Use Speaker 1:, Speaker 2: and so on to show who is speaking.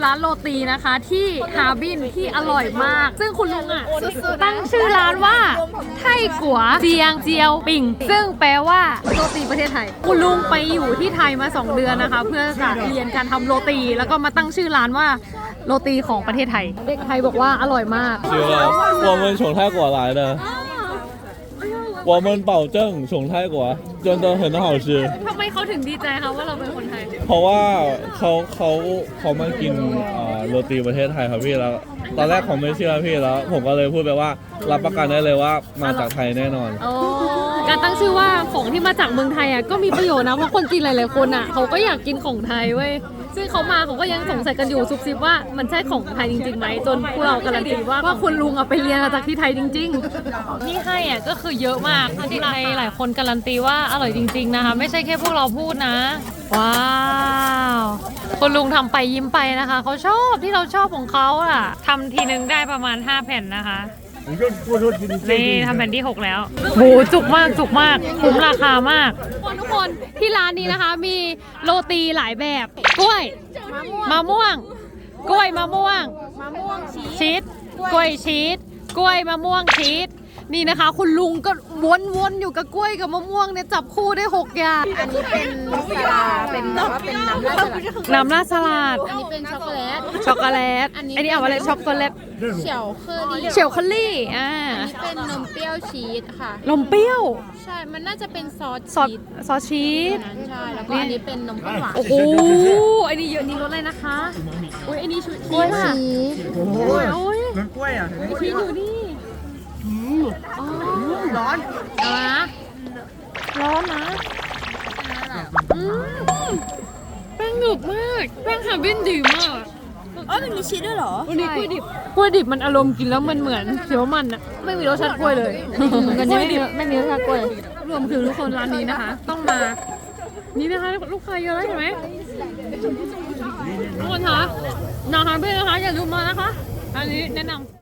Speaker 1: ร้านโรตีนะคะที่ฮาร์บินที่อร่อยมากซึ่งคุณลุงอ่ะตั้งชื่อร้านว่าไทกัวเจียงเจียวปิ่งซึ่งแปลว่าโรตีประเทศไทยคุณลุงไปอยู่ที่ไทยมา2 เดือนนะคะเพื่อจะเรียนการทำโรตีแล้วก็มาตั้งชื่อร้านว่าโรตีของประเทศไทยเด็กไทยบอกว่าอร่อยมาก
Speaker 2: 我们从泰国来的我们保证从泰国真的很好吃
Speaker 1: ทำไมเขาถึงดีใจคะว่าเราเป็นคนไทย
Speaker 2: เพราะว่าเขามากินโรตีประเทศไทยครับพี่แล้วตอนแรกเขาไม่เชื่อพี่แล้วผมก็เลยพูดไปว่ารับประกันได้เลยว่ามาจากไทยแน่นอน
Speaker 1: การตั้งชื่อว่าของที่มาจากเมืองไทยอ่ะก็มีประโยชน์นะเพราะคนจีนหลายๆคนอ่ะเขาก็อยากกินของไทยเว้ยซึ่งเขามาเขาก็ยังสงสัยกันอยู่ซุบซิบว่ามันใช่ของไทยจริงๆไหมจนพวกเราการันตีว่าคุณลุงเอาไปเรียนมาจากที่ไทยจริงๆนี่ให้อ่ะก็คือเยอะมากที่ไทยหลายคนการันตีว่าอร่อยจริงๆนะคะไม่ใช่แค่พวกเราพูดนะว้าวคุณลุงทำไปยิ้มไปนะคะเขาชอบที่เราชอบของเขาอ่ะทำทีนึงได้ประมาณ5 แผ่นนะคะนี่ทำแผ่นที่6แล้วโหจุกมากคุ้มราคามากทุกคนที่ร้านนี้นะคะมีโรตีหลายแบบกล้วยมะม่วงกล้วยมะม่วงชีสกล้วยชีสกล้วยมะม่วงชีสนี่นะคะคุณลุงก็วนๆอยู่กับกล้วยกับมะม่วงเนี่ยจับคู่ได้6 อย่าง
Speaker 3: อันนี้เป็นสลาเป็นแบบว่าเป็นน้ำราดสลัด
Speaker 1: น้ำราดสลัด
Speaker 3: อันนี้เป็นช็อกโกแลต
Speaker 1: อันนี้เอาอะไรช็อกโกแลต
Speaker 3: เฉียวเคอรี่
Speaker 1: เฉียวคัลลี่
Speaker 3: อันนี้เป็นนมเปรี้ยวชีสค่ะ
Speaker 1: นมเปรี้ยว
Speaker 3: ใช่มันน่าจะเป็นซอส
Speaker 1: ชีส
Speaker 3: ใช่แล้วก็อันนี้เป็นนมข้นหวาน
Speaker 1: โอ้โหอันนี้เยอะนี่รสอะไรนะคะอุ้ยอันนี้ชุด
Speaker 3: กล้วยชีส
Speaker 1: โอ้ย
Speaker 4: มันกล้วยอ่ะ
Speaker 1: ชีสอยู่นี่ร้อนร้อนนะแป้งหนึบมากแป้งฮาร์บินดีมาก
Speaker 3: มันมีชีสด้วยเหรอ
Speaker 1: วันนี้กล้วยดิบมันอารมณ์กินแล้วมันเหมือนเขียวมันอะไม่มีรสชาติกล้วยเลยกันนี้ไม่มีรสชาติกล้วยรวมถึงทุกคนร้านนี้นะคะต้องมานี่นะคะลูกค้าเยอะแล้วเห็นไหมทุกคนคะนาฮาร์บินนะคะอย่าลืมมานะคะอันนี้แนะนำ